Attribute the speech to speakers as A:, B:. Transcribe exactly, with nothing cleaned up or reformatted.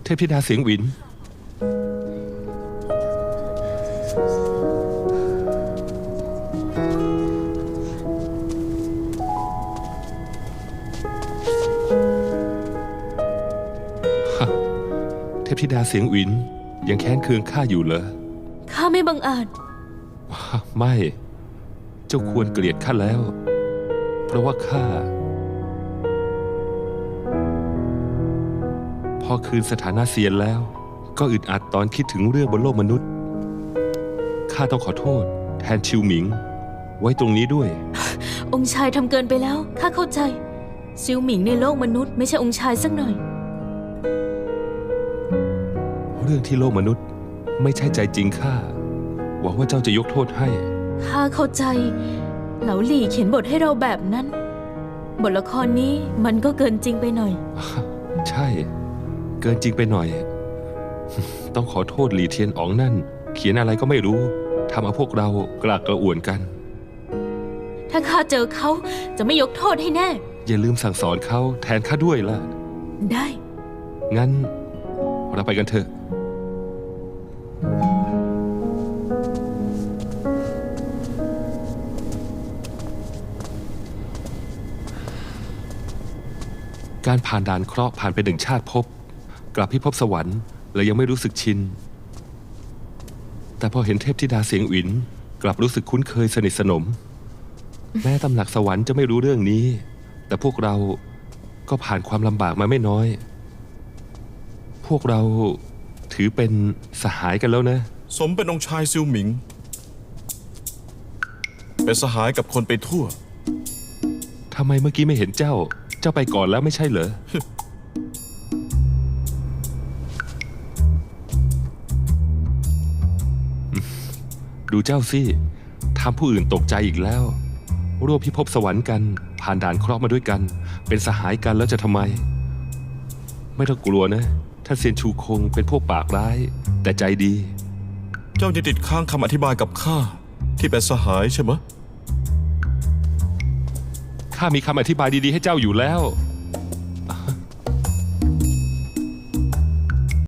A: เทพธิดาเสียงหวินเทพธิดาเสียงหวินยังแค้นเคืองข้าอยู่เหรอ
B: ข้าไม่บังอาจ
A: ไม่เจ้าควรเกลียดข้าแล้วเพราะว่าข้าพอคืนสถานะเซียนแล้วก็อึดอัดตอนคิดถึงเรื่องบนโลกมนุษย์ข้าต้องขอโทษแทนชิวหมิงไว้ตรงนี้ด้วย
B: องค์ชายทำเกินไปแล้วข้าเข้าใจชิวหมิงในโลกมนุษย์ไม่ใช่องค์ชายสักหน่อย
A: เรื่องที่โลกมนุษย์ไม่ใช่ใจจริงข้าหวังว่าเจ้าจะยกโทษให้
B: ข้าเข้าใจเหลาหลี่เขียนบทให้เราแบบนั้นบทละครนี้มันก็เกินจริงไปหน่อย
A: ใช่เกินจริงไปหน่อยต้องขอโทษหลี่เทียนอ๋องนั่นเขียนอะไรก็ไม่รู้ทำเอาพวกเรากลากกระอ่วนกัน
B: ถ้าข้าเจอเขาจะไม่ยกโทษให้แน่
A: อย่าลืมสั่งสอนเขาแทนข้าด้วยล่ะ
B: ได้
A: งั้นเราไปกันเถอะการผ่านด่านเคราะห์ผ่านไปหนึ่งชาติภพกลับพิภพสวรรค์เลยยังไม่รู้สึกชินแต่พอเห็นเทพธิดาเสียงหวินกลับรู้สึกคุ้นเคยสนิทสนมแม้ตำหนักสวรรค์จะไม่รู้เรื่องนี้แต่พวกเราก็ผ่านความลำบากมาไม่น้อยพวกเราถือเป็นสหายกันแล้วนะ
C: สมเป็นองค์ชายซิวหมิงเป็นสหายกับคนไปทั่ว
A: ทำไมเมื่อกี้ไม่เห็นเจ้าเจ้าไปก่อนแล้วไม่ใช่เหรอ ดูเจ้าสิทำผู้อื่นตกใจอีกแล้วร่วมพิภพสวรรค์กันผ่านด่านเคราะห์มาด้วยกันเป็นสหายกันแล้วจะทำไมไม่ต้องกลัวนะท่านเซียนชูคงเป็นพวกปากร้ายแต่ใจดี
C: เจ้ายังติดค้างคำอธิบายกับข้าที่เป็นสหายใช่ไหม
A: ข้ามีคำอธิบายดีๆให้เจ้าอยู่แล้ว